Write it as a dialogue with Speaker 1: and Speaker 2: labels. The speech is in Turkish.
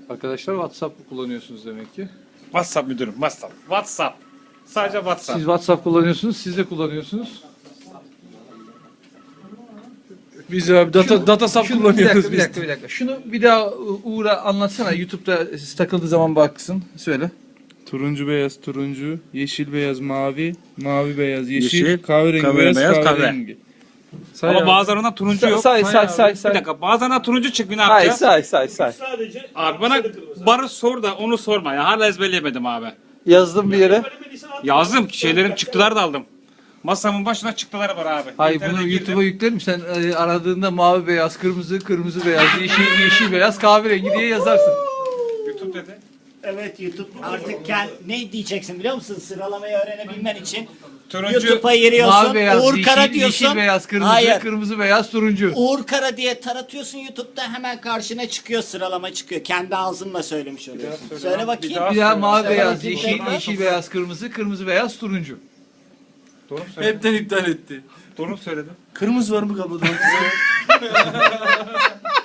Speaker 1: Arkadaşlar WhatsApp kullanıyorsunuz demek ki.
Speaker 2: WhatsApp müdürüm, WhatsApp. Sadece WhatsApp.
Speaker 1: Siz WhatsApp kullanıyorsunuz, siz de kullanıyorsunuz.
Speaker 3: Biz abi datasap kullanıyoruz
Speaker 1: Bir dakika. Şunu bir daha Uğur'a anlatsana. YouTube'da takıldığı zaman baksın. Söyle.
Speaker 3: Turuncu beyaz turuncu, yeşil beyaz mavi, mavi beyaz yeşil,
Speaker 2: Yeşil,
Speaker 3: kahverengi
Speaker 2: kahverengi
Speaker 3: beyaz
Speaker 2: beyaz,
Speaker 3: kahverengi. Say
Speaker 2: Ama
Speaker 3: abi.
Speaker 2: bazılarında turuncu yok.
Speaker 1: Say.
Speaker 2: Bir dakika, bazılarında turuncu çıkmıyor, ne yapacağız?
Speaker 1: Say.
Speaker 2: Abi bana barı sor da onu sorma ya. Hala ezberleyemedim abi.
Speaker 1: Yazdım bir yere.
Speaker 2: Yazdım, şeylerin çıktıları da aldım. Masamın başına çıktıları var abi.
Speaker 1: Hayır
Speaker 2: İnternete
Speaker 1: bunu
Speaker 2: girdim.
Speaker 1: YouTube'a yüklerim. Sen aradığında mavi beyaz, kırmızı beyaz, yeşil beyaz, kahverengi diye yazarsın.
Speaker 2: YouTube dedi.
Speaker 4: Evet YouTube artık ne diyeceksin biliyor musun? Sıralamayı öğrenebilmen için
Speaker 2: Turuncu,
Speaker 4: YouTube'a giriyorsun.
Speaker 1: Mavi beyaz,
Speaker 4: Uğur Kara diyorsun.
Speaker 1: yeşil beyaz,
Speaker 4: Hayır.
Speaker 1: kırmızı beyaz, turuncu.
Speaker 4: Uğur Kara diye taratıyorsun YouTube'da hemen karşına çıkıyor, sıralama çıkıyor. Kendi ağzınla söylemiş oluyorsun. Söyle bakayım.
Speaker 2: daha
Speaker 1: Bir daha mavi
Speaker 4: Söyle
Speaker 1: beyaz,
Speaker 4: bakayım.
Speaker 1: yeşil beyaz, kırmızı beyaz, turuncu.
Speaker 2: Doğru mu söyledim?
Speaker 3: Hepten iptal etti.
Speaker 2: Doğru mu söyledim?
Speaker 3: Kırmızı var mı kabloda?